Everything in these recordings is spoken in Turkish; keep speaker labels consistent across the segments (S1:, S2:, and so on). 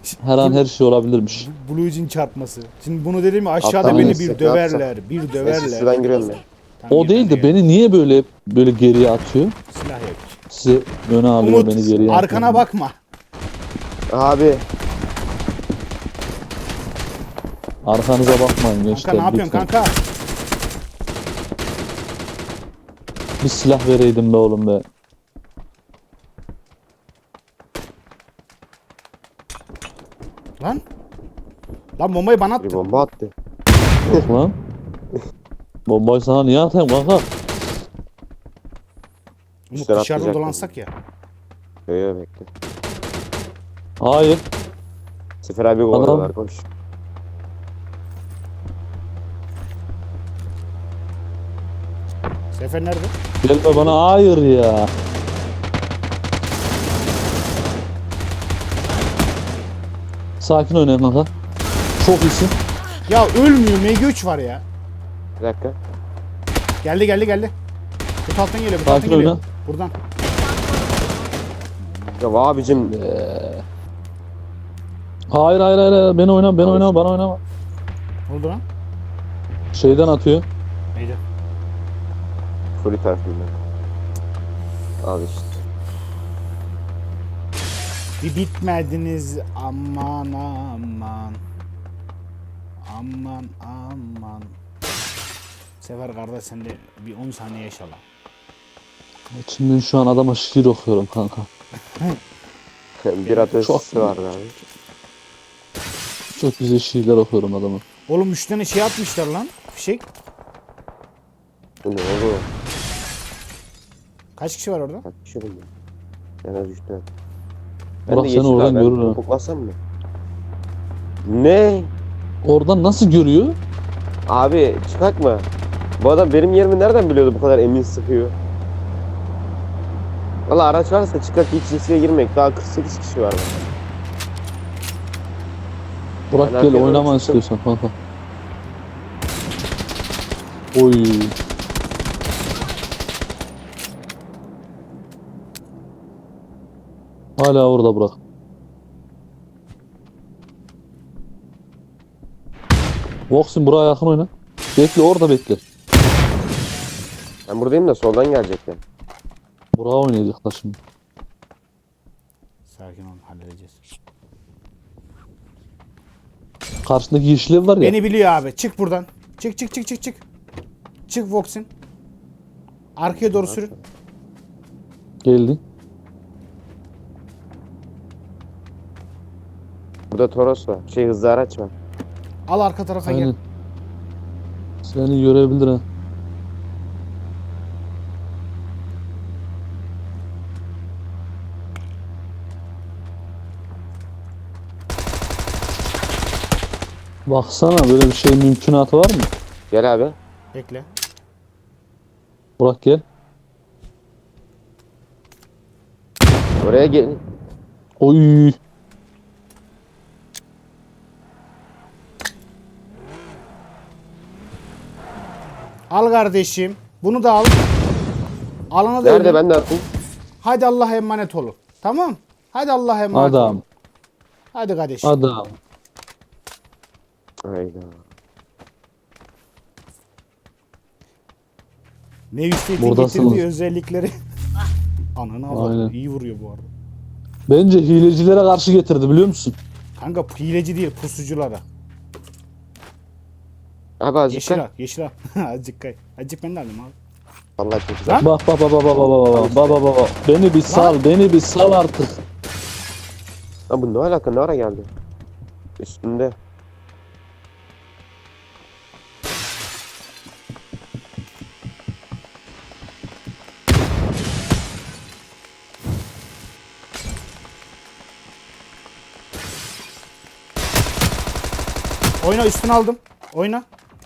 S1: Her an her şey olabilirmiş.
S2: Blue Jean çarpması. Şimdi bunu dedim mi aşağıda
S1: Alttan
S2: beni
S1: neyse,
S2: bir döverler. Bir
S3: Neyse
S2: döverler.
S3: şuradan giriyorum ben.
S2: Tamam,
S1: O
S2: gel,
S1: değil
S2: hadi
S1: de
S2: gel.
S1: beni niye böyle geriye atıyor?
S2: Silah yok.
S1: Size öne alıyor
S2: Umut
S1: beni geriye
S2: arkana
S1: atıyor.
S2: bakma.
S3: Abi
S1: Arkanıza bakmayın gençler.
S2: Kanka ne yapıyorsun
S1: lütfen.
S2: kanka?
S1: Bir silah vereydim be oğlum be.
S2: Lan. Lan bombayı bana
S3: bir
S2: attı.
S3: bomba attı.
S1: Yok lan. Bombayı sana niye atayım kanka?
S2: Umut
S3: Üstten
S2: dışarıda
S3: atlayacak
S2: dolansak ya.
S3: Yok bekle.
S1: Hayır.
S3: Sefer abi kovalıyorlar koş.
S2: Sefer nerede?
S1: Gelme bana hayır ya. Sakin oynayın kanka. Çok iyisin.
S2: Ya ölmüyor. MG3 var ya.
S3: Bir dakika.
S2: Geldi. Bu alttan geliyor. Bu alttan
S1: Sakin
S2: geliyor.
S1: oyna.
S2: Buradan.
S3: Ya abicim
S1: Hayır. Beni oynama bana oynama.
S2: Ne oldu lan?
S1: Şeyden atıyor.
S2: Neydi?
S3: full tarafından. Al işte.
S2: Bir bitmediniz aman. Aman. Sefer kardeş sen de bir 10 saniye yaşa lan.
S1: İçimden şu an adama şiir okuyorum kanka.
S3: Bir ateşi
S1: Çok
S3: vardı abi.
S1: Çok güzel şiirler okuyorum adama.
S2: Oğlum 3 tane şey atmışlar lan. Fişek.
S3: Bu ne oldu?
S2: Kaç kişi var orada?
S3: Kaç kişi bu? En az 3 tane.
S1: Burak seni oradan görür ha.
S3: Topuklasam mı? Ne?
S1: Oradan nasıl görüyor?
S3: Abi çıkak mı? Bu adam benim yerimi nereden biliyordu bu kadar emin sıkıyor? Valla araç varsa çıkak hiç riske girmek. Daha 48 kişi var.
S1: Burak
S3: Ben
S1: gel
S3: arkaya
S1: oynama
S3: doğru çıktım.
S1: istiyorsan kanka. Oy. Hala orada Burak. Vox'un Burak'a yakın oyna. Bekle orada bekle.
S3: Ben buradayım da soldan gelecekler.
S1: Burak'a oynayacaklar şimdi.
S2: Sakin ol halledeceğiz.
S1: Karşındaki yeşiller var ya.
S2: Beni biliyor abi. Çık buradan. Çık. Çık Vox'in. Arkaya doğru sürün.
S1: Geldi.
S3: Burada Toros var. Hızlı araç var.
S2: Al arka tarafa gel.
S1: Aynen. Seni görebilir ha. Baksana böyle bir şey mümkünatı var mı?
S3: Gel abi.
S2: Bekle.
S1: Burak gel.
S3: Oraya gel.
S1: Oy.
S2: Al kardeşim. Bunu da al. Alana da
S3: Nerede
S2: ölün.
S3: ben de attım.
S2: Hadi Allah'a emanet olun. Tamam. Hadi Allah'a emanet
S1: Adam.
S2: olun. Hadi kardeşim.
S1: Adam.
S3: Hayda.
S2: Nevisteyt'in
S1: Buradasınız.
S2: getirdiği özellikleri. Ananı avradım.
S1: Aynen.
S2: İyi vuruyor bu arada.
S1: Bence hilecilere karşı getirdi biliyor musun?
S2: Kanka hileci değil pusuculara.
S3: Abi azıcık
S2: Yeşil
S3: kay.
S2: al. Yeşil al. Azıcık kay. Azıcık ben de alayım abi.
S3: Vallahi çok güzel.
S2: Lan.
S1: Bak. Beni bir sal, beni bir sal artık.
S3: Lan bu ne alaka? Ne ara geldi? Üstünde.
S2: Oyna üstüne aldım. Oyna.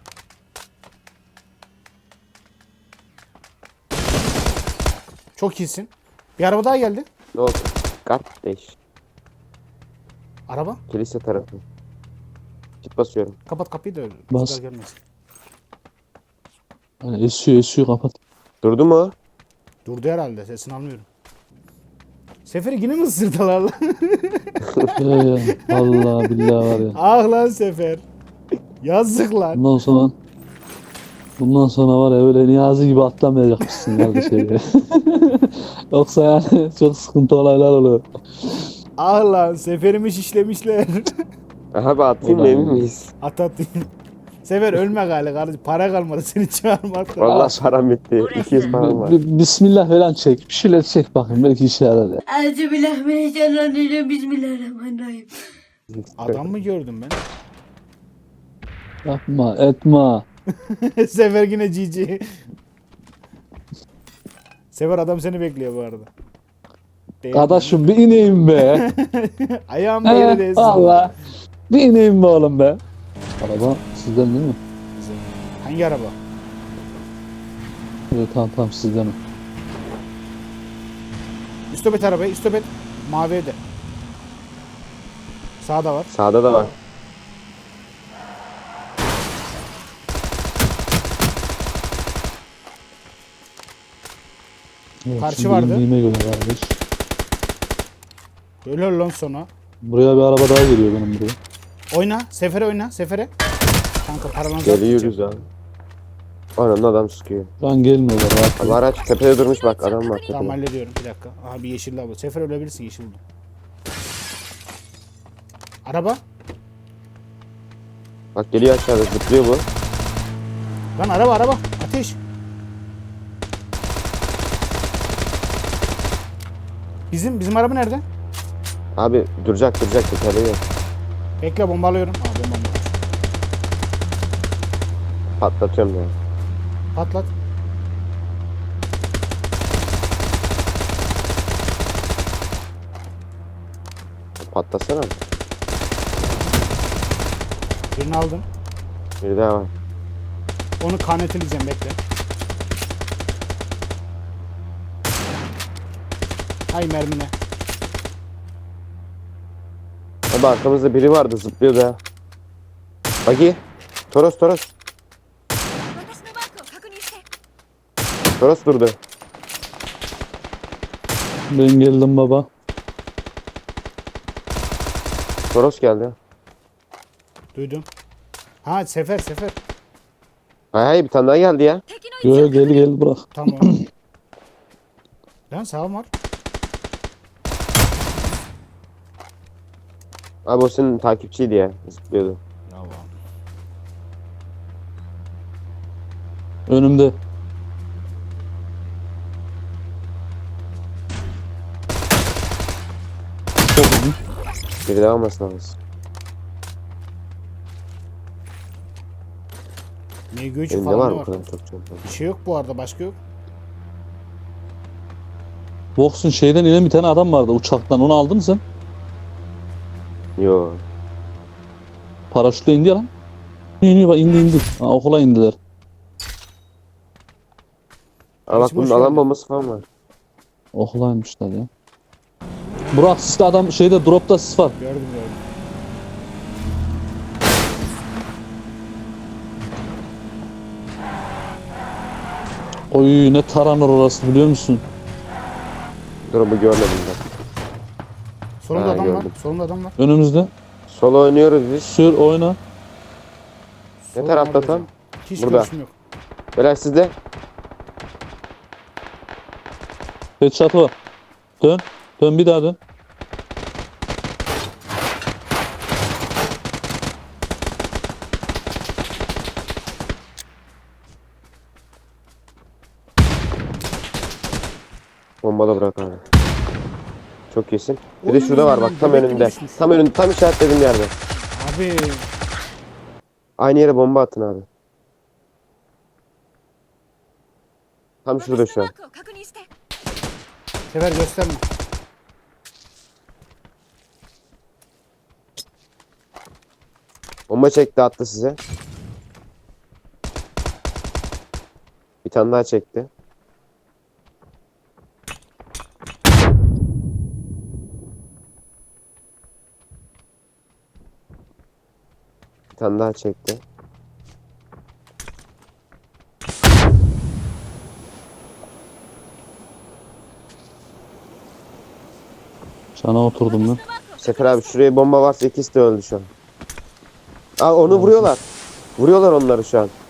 S2: Çok iyisin. Bir araba daha geldi.
S3: Ne oldu? Kardeş.
S2: Araba.
S3: Kilise tarafı. Git basıyorum.
S2: Kapat kapıyı da
S1: Bas.
S2: rüzgar gelmesin.
S1: Yani esiyor kapat.
S3: Durdu mu?
S2: Durdu herhalde. Sesini almıyorum. Seferi yine mi ısırdılar lan?
S1: Vallahi billahi var ya.
S2: Ah lan Sefer. Yazık lan.
S1: Bundan sonra var ya öyle Niyazi gibi atlamayacakmışsın kardeşim. Yoksa yani çok sıkıntı olaylar oluyor.
S2: Ah lan Seferimi şişlemişler.
S3: Abi atayım mı,
S1: Ulan.
S3: emin miyiz?
S2: At. Sefer ölme galiba kardeşim. Para kalmadı seni çağırmakta.
S3: Vallahi param bitti. 200 param var.
S1: Bismillah falan çek. Bir şeyler çek bakayım. Belki işe yarar ya.
S4: Euzubillahimineşşeytanirracim. Bismillahirrahmanirrahim.
S2: Adam mı gördüm ben?
S1: Yapma etme.
S2: Sefer yine GG. Sefer adam seni bekliyor bu arada. Değil mi?
S1: Kardeşim bir ineyim be.
S2: Ayağım da yere değsin.
S1: Valla. Bir ineyim be oğlum be. Araba sizden değil mi?
S2: Hangi araba?
S1: Evet tamam sizden mi?
S2: Üstobet arabayı, üstobet. Mavi evde. Sağda var.
S3: Sağda da var.
S1: Evet,
S2: Karşı
S1: şimdi
S2: vardı.
S1: indiğime göre kardeş.
S2: Ölür lan sonra.
S1: Buraya bir araba daha geliyor benim buraya.
S2: Oyna. Sefere oyna. Sefere. Kanka paralanı
S3: Geliyoruz abi. Ananın adam sıkıyor.
S1: Lan gelmiyorlar rahat
S3: Abi
S1: ol.
S3: araç tepede durmuş bak, adam var
S2: Tamam
S3: tepede.
S2: hallediyorum. Bir dakika. Aha bir yeşil lavabo. Sefer ölebilirsin yeşil buldum. Araba.
S3: Bak geliyor aşağıda, zıplıyor bu.
S2: Lan araba. Ateş. Bizim araba nerede?
S3: Abi duracak tepede yok.
S2: Bekle bombalıyorum. Aa bomba.
S3: Patlatıyorum ya.
S2: Patlat.
S3: Patlasana.
S2: Birini aldım.
S3: Bir daha var.
S2: Onu kanetileyeceğim bekle. Hay mermine.
S3: Abi arkamızda biri vardı, zıplıyordu ha. Bagi. Toros.
S4: 私のマークを確認して。
S3: Toros durdu.
S1: Ben geldim baba.
S3: Toros geldi.
S2: Duydum. Ha Sefer.
S3: Hay bir tane daha geldi ya.
S4: 敵の位置
S1: Yo
S4: を
S1: gel bırak.
S2: Tamam. Lan sağım var.
S3: Abi o senin takipçiydi ya. Zıplıyordu.
S2: Bravo.
S1: Önümde.
S3: Biri daha olmasın lazım.
S2: MG3
S3: Elimde
S2: falan
S3: var
S2: da
S3: mı
S2: var.
S3: kadar çok çanta?
S2: Bir şey yok bu arada başka yok.
S1: Box'un şeyden inen bir tane adam vardı uçaktan. Onu aldın mı sen?
S3: Yo.
S1: Paraşütle indi ya lan. İniyor bak indi. Ha, okula indiler.
S3: Aa bak
S2: Hiç
S3: bunun
S2: boş
S3: alan
S2: verme.
S3: bombası falan var.
S1: Okula inmişler ya. Burak sisli adam şeyde dropta sis var.
S2: Gördüm.
S1: Oy ne taranır orası biliyor musun?
S3: Drop'u görmedim ben.
S2: Solumda
S3: Ha,
S2: adam
S3: gördüm.
S2: var. Solumda adam var.
S1: Önümüzde.
S3: Solo oynuyoruz biz.
S1: Sür oyna.
S2: Solumda
S3: tarafta
S2: orada
S3: tam?
S2: hocam. Hiç
S3: Burada.
S2: görüşüm yok.
S3: Beyler sizde.
S1: Headshot var. Dön. Dön bir daha dön.
S3: Bomba da bırak abi. Çok iyisin. Bir de şurada var bak, tam
S2: Bebek
S3: önünde.
S2: düşmüş.
S3: Tam önünde, tam işaretlediğim yerde.
S2: Abi
S3: Aynı yere bomba atın abi. Tam şurada
S4: 私
S3: şu
S4: のマ
S3: an.
S4: ークを確認して。
S2: Sefer gösterme.
S3: Bomba çekti, attı size. Bir tane daha çekti. Bir tane daha çekti.
S1: Sana oturdum ben.
S3: Sefer abi şuraya bomba varsa ikisi de öldü şu an. Aa onu vuruyorlar. Vuruyorlar onları şu an.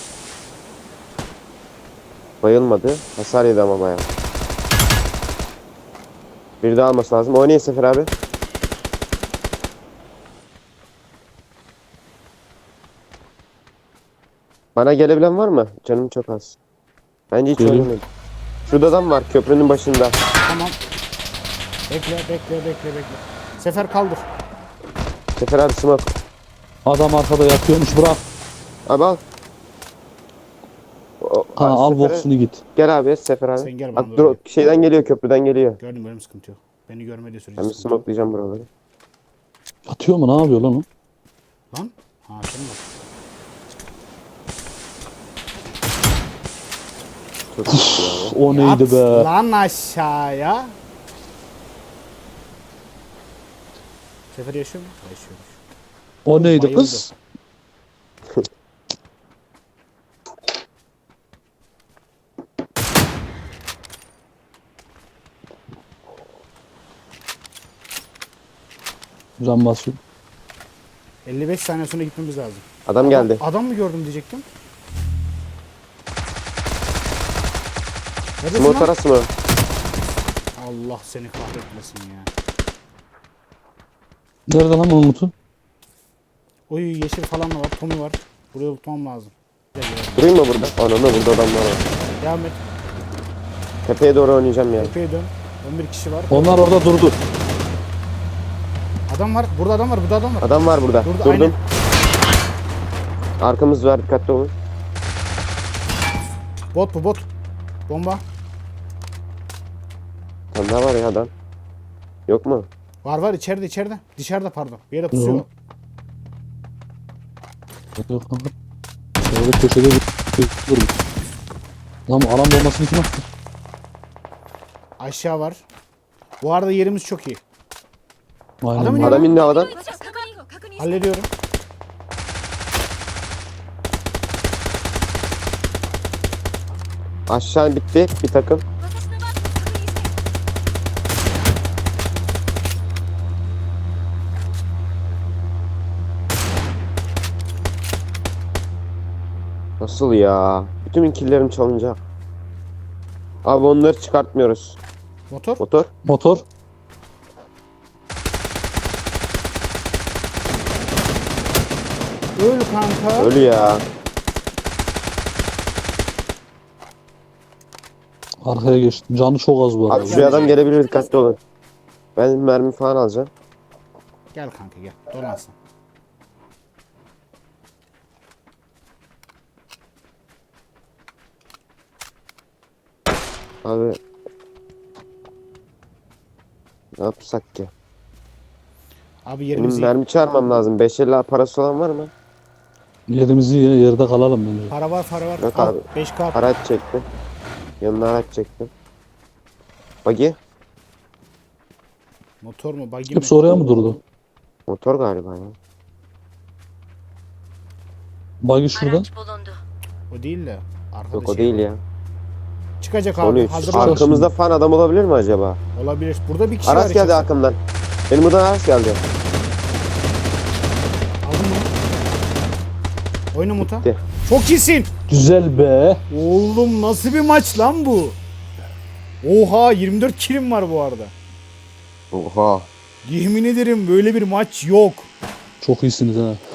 S3: Bayılmadı. Hasar yedi ama bayağı. Bir daha alması lazım. Oynayın Sefer abi. Bana gelebilen var mı? Canım çok az. Bence hiç
S1: Geliyor.
S3: oynamayın. Şurada adam var köprünün başında.
S2: Tamam. Bekle. Sefer kaldır.
S3: Sefer abi smoke.
S1: Adam arkada yatıyormuş, bırak.
S3: Abi al.
S1: Ha,
S3: Abi
S1: al
S3: Sefer'e-
S1: boksunu git.
S3: Gel abi Sefer abi.
S2: Sen gel bana
S3: Bak,
S2: doğru
S3: şeyden geliyor köprüden geliyor.
S2: Gördüm benim sıkıntı yok. Beni görmediği sürece
S3: Ben bir
S2: sıkıntı yok.
S3: smokelayacağım buraları.
S1: Atıyor mu, ne yapıyor lan o?
S2: Lan. Ha sen bak.
S3: Çok iyi ya.
S1: O neydi
S2: At
S1: be?
S2: lan aşağıya. Sefer yaşıyor mu? Yaşıyor.
S1: O neydi
S2: Bayıldı.
S1: kız? Can basıyor.
S2: 55 saniye sonra gitmemiz lazım.
S3: Adam geldi.
S2: Adam mı gördüm diyecektim. Neredesin
S3: Smoke
S2: lan?
S3: arası mı?
S2: Allah seni kahretmesin ya.
S1: Nerede lan Umut'u?
S2: Oy yeşil falan da var. Tommy var. Buraya tutmam lazım. Gel, gel.
S3: Durayım mı burada? Ananı burada adamlar var.
S2: Devam et.
S3: Tepeye doğru oynayacağım ya.
S2: Tepeye dön. 11 kişi var.
S1: Onlar orada durdu.
S2: Adam var. Burada adam var. Burada adam var.
S3: Adam var burada.
S2: Burada,
S3: Durdum.
S2: aynen.
S3: Arkamız var dikkatli olun.
S2: Bot bu bot. Bomba.
S3: Tam daha var ya adam. Yok mu?
S2: Var içeride. Dışarıda pardon. Bir yere pusuyor.
S1: Yok. Yok kanka. Şöyle köşede bir dur. Lan bu alan bombasını kim attı?
S2: Aşağı var. Bu arada yerimiz çok iyi.
S1: Aynen.
S2: Adamın
S1: var.
S3: Adam indi havadan.
S4: 確認確認して
S2: Hallediyorum.
S3: Aşağı bitti bir takım.
S4: 私のマークを確認して
S3: Nasıl ya? Bütün killerim çalınacak. Abi onları çıkartmıyoruz.
S2: Motor.
S3: Motor.
S1: Motor.
S2: Öl kanka.
S3: Ölü ya.
S1: Arkaya geçti. Canı çok az bu arada.
S3: Abi şuraya adam gelebilir dikkatli olun. Ben mermi falan alacağım.
S2: Gel kanka gel. Dolansın.
S3: Abi. Ne yapsak ki?
S2: Abi
S3: Benim
S2: yerimiz iyi.
S3: mermi çağırmam lazım. 550 parası olan var mı?
S1: Yerimizi yerde kalalım bence.
S2: Para var.
S3: Yok
S2: Al,
S3: abi.
S2: 5K.
S3: Araç çektim. Yanına araç çektim. Buggy.
S2: Motor mu? Buggy mi?
S1: Hepsi oraya mı durdu?
S3: Motor galiba ya.
S1: Buggy şurada.
S4: araç bulundu.
S2: O değil de. Arkada
S3: Yok o
S2: şey
S3: değil
S2: var.
S3: ya.
S2: Çıkacak abi.
S3: 13.
S2: Hazır
S1: Ar-
S2: ol.
S3: Arkamızda fan adam olabilir mi acaba?
S2: Olabilir. Burada bir kişi
S3: Araç
S2: var.
S3: geldi
S2: içeride.
S3: arkamdan. Benim buradan araç geldi.
S2: Aldın mı? Oyna muta.
S3: Gitti.
S2: Çok iyisin.
S1: Güzel be.
S2: Oğlum nasıl bir maç lan bu? Oha 24 kilim var bu arada.
S3: Oha.
S2: Yemin ederim böyle bir maç yok.
S1: Çok iyisiniz ha.